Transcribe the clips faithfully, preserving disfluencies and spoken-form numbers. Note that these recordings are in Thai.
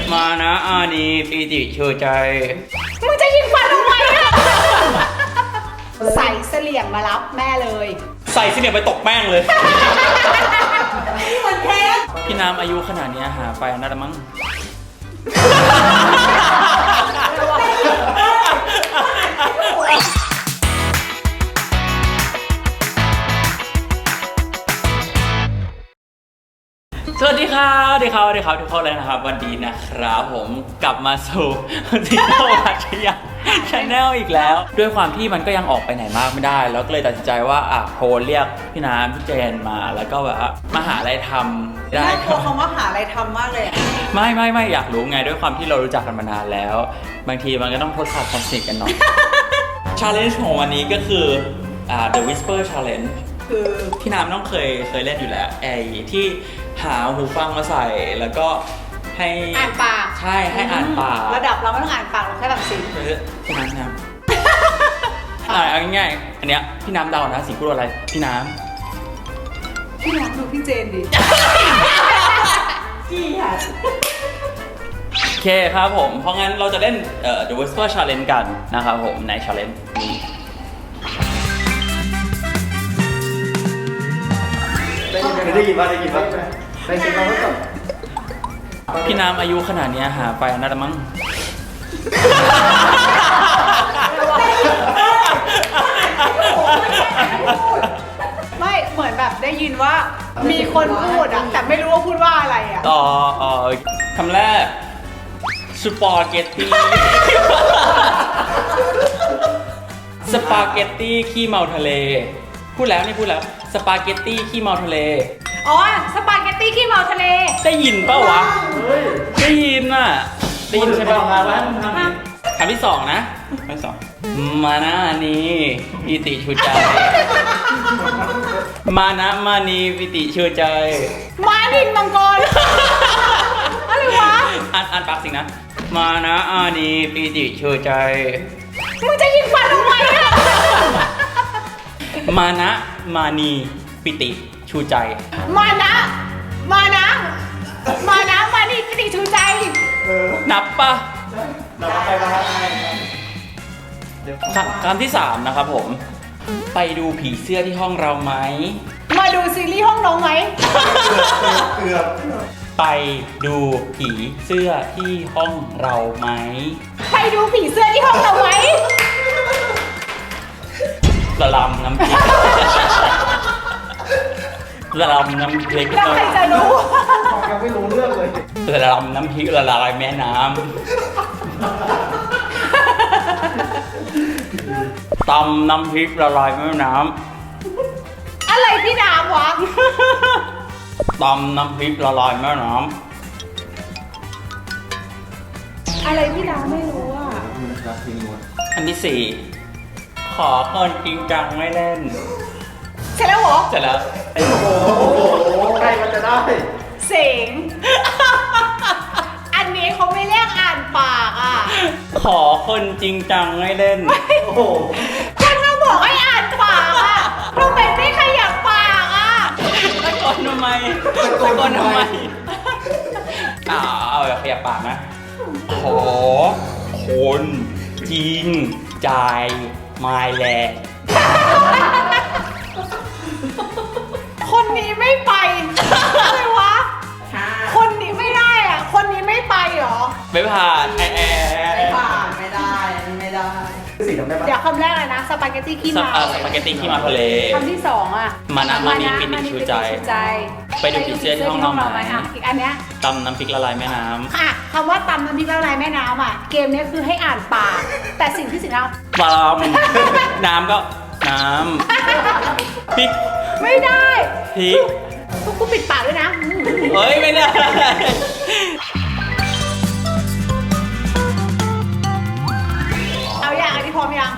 มานะอานีปีติชูใจมึงจะยิงฟันทำไมอะใส่เสลี่ยงมารับแม่เลยใส่เสลี่ยงไปตกแป้งเลยเหมือนเพชรพี่น้ำอายุขนาดนี้หาไปน่าจะมั้งสวัสดีครับสวัสดีครับสวัสดีครับทุกคนเลยนะครับวันนี้นะครับผมกลับมาสู่ดิจิทัลวัชยาชาแนลอีกแล้วด้วยความที่มันก็ยังออกไปไหนมากไม่ได้แล้วก็เลยตัดสินใจว่าอ่ะโทรเรียกพี่น้ำพี่เจนมาแล้วก็แบบมาหาอะไรทำได้น่ากลัวคำว่าหาอะไรทำมากเลยไม่ไม่ไม่อยากรู้ไงด้วยความที่เรารู้จักกันมานานแล้วบางทีมันก็ต้องทดสอบความสนิทกันหน่อย challenge ของวันนี้ก็คืออ่า The Whisper Challenge คือพี่น้ำต้องเคยเคยเล่นอยู่แล้วไอ้ที่หาหูฟังมาใส่แล้วก็ให้อ่านปากใช่ให้อ่านปากระดับเราไม่ต้องอ่านปากเราแค่แบบสิพี่น้ำน้ำอ่าเอาง่ายๆอันเนี้ยพี่น้ำเดานะสิ่งพูดอะไรพี่น้ำพี่น้ำดูพี่เจนดิพี่ค่ะโอเคครับผมเพราะงั้นเราจะเล่นเอ่อ The Whisper Challenge กันนะครับผมใน Challenge นี้ได้ยินว่าได้ยินว่าได้ยินว่าก่อนพี่น้ำอายุขนาดนี้หาไปน่าจะมั้งไม่เหมือนแบบได้ยินว่ามีคนพูดอะแต่ไม่รู้ว่าพูดว่าอะไรอะต่อเอ่อคำแรกสปาเกตตี้สปาเกตตี้ขี้เมาทะเลพูดแล้วนี่พูดแล้วสปาเกตตี้ขี้เมาทะเลอ๋อสปาเกตตี้ขี้เมาทะเลได้ยินเปล่าวะได้ยินอ่ะได้ยินใช่ป่ะคำที่สองนะคำที่สองมานะนี่ปิติชูใจมานะมานีปิติชูใจมาดินมังกรอะไรวะอ่านอ่านปากสิงนะมานะอานีปิติชูใจมึงจะยิงฟันทำไมอะมานะมานีปิติชูใจมานะมานะมานะมานีปิติชูใจนับปะนับไปมาคำที่สามนะครับผมไปดูผีเสื้อที่ห้องเราไหมมาดูซีรีส์ห้องน้องไหมเกือบไปดูผีเสื้อที่ห้องเราไหมไปดูผีเสื้อที่ห้องเราไหมละลำน้ำพริกละลำน้ำพริกแล้วใครจะรู้ยังไม่รู้เรื่องเลยละลำน้ำพริกละลายแม่น้ำตำน้ำพริกละลายแม่น้ำอะไรพี่น้ำวะตำน้ำพริกละลายแม่น้ำอะไรพี่น้ำไม่รู้อ่ะอันที่สี่ขอคนจริงจังไม่เล่นเสร็จแล้วเหรอเสร็จแล้วโอ้โหใครมันจะได้เสียงอันนี้เขาไม่เรียกอ่านปากอ่ะขอคนจริงจังไม่เล่นโอ้โหคนเราบอกให้อ่านปากอ่ะทำไมไม่ขยับปากอ่ะตะโกนทำไมตะโกนทำไมอ้าวเอาขยับปากนะขอคนจริงใจไม่แลคนนี้ไม่ไปอะไรวะคนนี้ไม่ได้อ่ะคนนี้ไม่ไปหรอไม่ผ่านแอร์ไม่ผ่านไม่ได้อันนี้ไม่ได้เดี๋ยวคำแรกเลยนะสปาเกตตี้ขี้เมาสปาเกตตี้ขี้เมาทะเลคำที่สองอ่ะมานะมานีปิติชูใจไปดูผีเสื้อที่ห้องเราไหมอ่ะอีกอันเนี้ยตำน้ำพริกละลายแม่น้ำค่ะคำว่าตำน้ำพริกละลายแม่น้ำอ่ะเกมนี้คือให้อ่านปากแต่สิ่งที่สิ่งเราปลอมน้ำก็น้ำพริกไม่ได้พริกทุกคนปิดปากด้วยนะเฮ้ยไม่ได้เอาอย่างอันนี้พร้อมยัง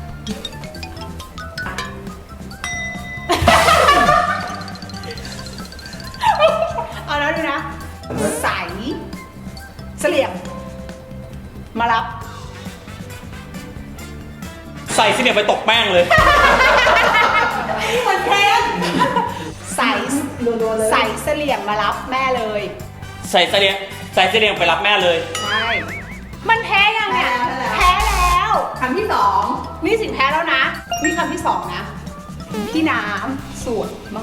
เอาแล้วดูนะใสเสลี่ยงมารับใส่เสลี่ยงไปตกแป้งเลยเหมือนเพชรใส่ใส่เสลี่ยงมารับแม่เลยใส่เสลียงใส่เสลียงไปรับแม่เลยใช่ มันแพ้ยังเนี่ย แพ้แล้วคำที่สองนี่สิแพ้แล้วนะ นี่คำที่สองนะ พี่น้ำสวยมาก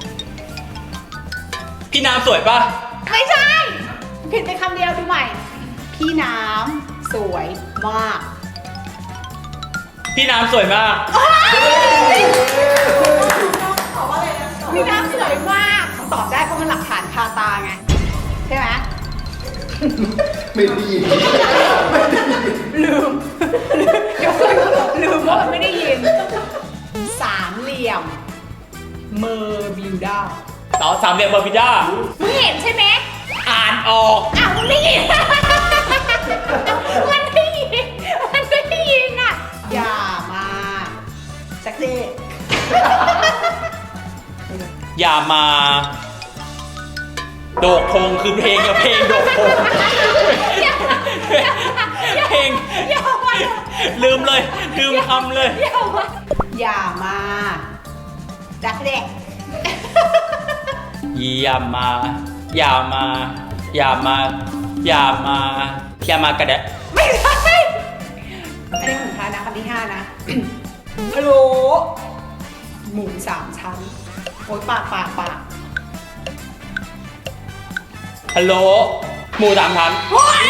พี่น้ำสวยปะไม่ใช่ ผิดไปคำเดียวดูใหม่ พี่น้ำสวยมากพี่น้ำสวยมากพี่น้ำสวยมากตอบได้เพราะมันหลักฐานคาตาไง ใช่ไหมไม่ได้ยินลืม เดี๋ยวลืมว่ามันไม่ได้ยิน สามเหลี่ยม เมอร์บิวด้าต่อสามเหลี่ยมเบอร์พิด้ามึงเห็นใช่ไหมอ่านออกอ้าวมึงได้ยิน มันได้ยิน มันได้ยินอ่ะ อย่ามาสักทีอย่ามา โดกพงคือเพลงกับเพลงโดกพงเพลงอย่ามาลืมเลยลืมคำเลยอย่ามาอย่ามาจักเด็กอย่ามา อย่ามา อย่ามา อย่ามา อย่ามากระเดะไม่ใช่อันนี้ของท้ายนะคำที่ห้านะฮัลโหลหมูสามชั้นโอ๊ยปากปากปากฮัลโหล หมูสามชั้นโอ๊ย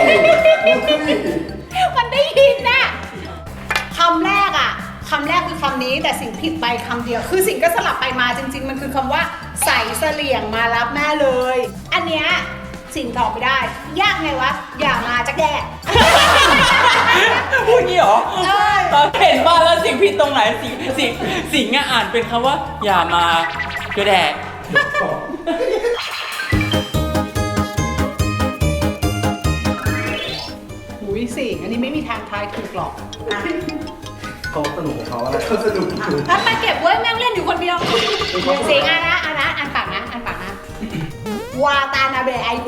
มันได้ยินน่ะคำแรกอ่ะคำแรกคือคำนี้แต่สิ่งผิดไปคำเดียว คือสิ่งก็สลับไปมาจริง ๆ มันคือคำว่าใส่เสลี่ยงมารับแม่เลย อันเนี้ยสิ่งตอบไม่ได้ ยากไงวะ อย่ามาจักแดกพูดงี้เหรอใช่ตอนเห็นบ้านแล้วสิ่งผิดตรงไหนสิ่งสิ่งสิ่งอะอ่านเป็นคำว่า อย่ามากระแดะหูยสิงอันนี้ไม่มีทางทายถูกหรอกอ่ะเขาสนุกของเขาอะไรเขาสนุกอยู่อ่ะไปเก็บไว้แม่งเล่นอยู่คนเดียวสิงอ่ะนะอ่ะนะอ่านปากนะอ่านปากนะ วาตานาเบะไอโก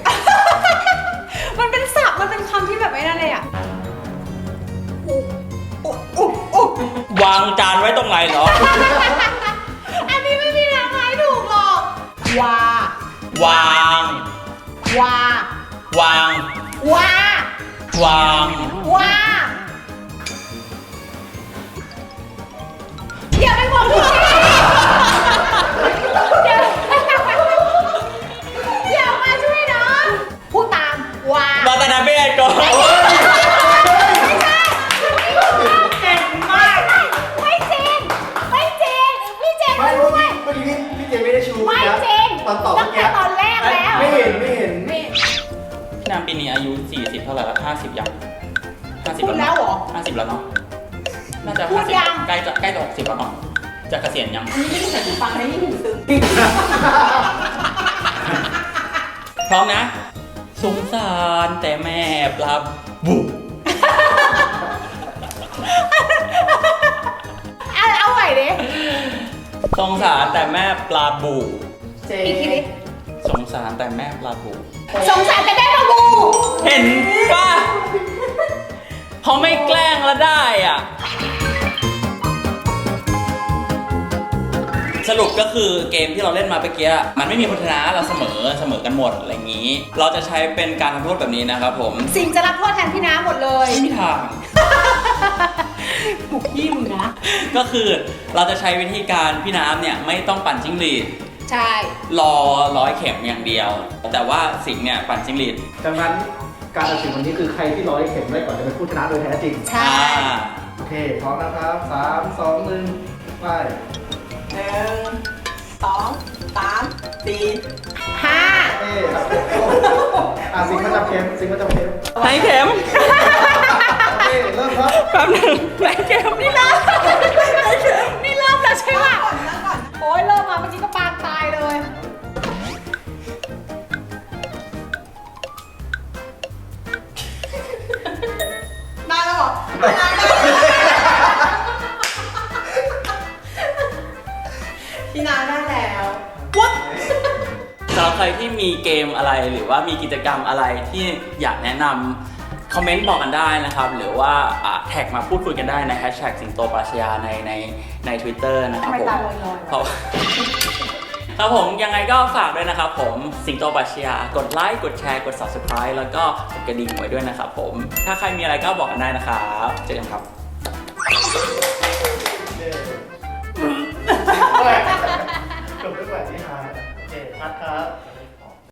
มันเป็นศัพท์มันเป็นคำที่แบบไม่นั่นเลยอ่ะอุ๊อุ๊อุ๊อุ๊วางจานไว้ตรงไหนเหรออันนี้ไม่มีทางทายถูกหรอก วาวางวาวางวาวางวาอย่าไปบอกพี่เดี๋ยวอย่ามาช่วยน้องพูดตามวาวาตานาเบะก่อนเก่งมากไม่จริงไม่จริงพี่เจนไม่รู้เมื่อไหมกี้เมื่อกี้พี่เจไม่ได้ชูไม่นะจริงตอนตอบตั้เมื่งอกี้แต่ตอนแรกแล้วไม่เห็นไม่เห็นไม่พี่นามปีนี้อายุสี่สิบเท่าไหร่แล้วห้าสิบยังห้าสิบพูดแล้วเหรอห้าสิบแล้วเนาะน่าจะพูดยังใกล้จะใกล้จะหกสิบแล้วเนาะจะเกษียณยังอันนี้ไม่ได้ใส่หูฟังนะนี่หูตึงพร้อมนะ สงสารแต่แม่ปลาบุเอาเอาใหม่ดิสงสารแต่แม่ปลาบูอีกทีดิสงสารแต่แม่ปลาบูสงสารแต่ได้ปะบูเห็นป่ะพอไม่แกล้งแล้วได้อ่ะ สรุปก็คือเกมที่เราเล่นมาเมื่อกี้มันไม่มีคนชนะเราเสมอเสมอกันหมดอะไรอย่างนี้ เราจะใช้เป็นการทำโทษแบบนี้นะครับผมสิ่งจะรับโทษแทนพี่น้ำหมดเลยไม่มีทางบุกยี่มึงนะก็คือเราจะใช้วิธีการพี่น้ำเนี่ยไม่ต้องปั่นจิ้งหรีดใช่รอร้อยเข็มอย่างเดียว แต่ว่าสิงห์เนี่ยปั่นจิ้งหรีดดังนั้นการตัดสินวันนี้คือใครที่ร้อยเข็มได้ก่อนจะเป็นผู้ชนะโดยแท้จริงใช่อ่าโอเค พร้อมนะครับสามสองหนึ่งไปหนึ่งสองสามสี่ห้าเอ๊ะอ่ะสิงห์มาจับเข็มสิงห์มาจับเข็มไหนเข็มโอเคเริ่มครับแป๊บหนึงไหนเข็มนี่นะนี่เริ่มแล้วใช่ปะก่อนนะก่อนโอ้ยเริ่มมาเมื่อกี้ก็ปางตายเลยได้แล้วเหรอได้ได้พี่นาได้แล้วสำหรับใครที่มีเกมอะไรหรือว่ามีกิจกรรมอะไรที่อยากแนะนำคอมเมนต์บอกกันได้นะครับ หรือว่าอ่าแท็กมาพูดคุยกันได้ในแฮชแท็กสิงโตปราชญาในในใน Twitter นะครับทำไมผมตาลอยๆเพราะครับผมยังไงก็ฝากด้วยนะครับผมสิงโตปรัชญากดไลค์กดแชร์กด ซับสไครบ์ แล้วก็กดกระดิ่งไว้ด้วยนะครับผมถ้าใครมีอะไรก็บอกกันได้นะครับเจอกันครับ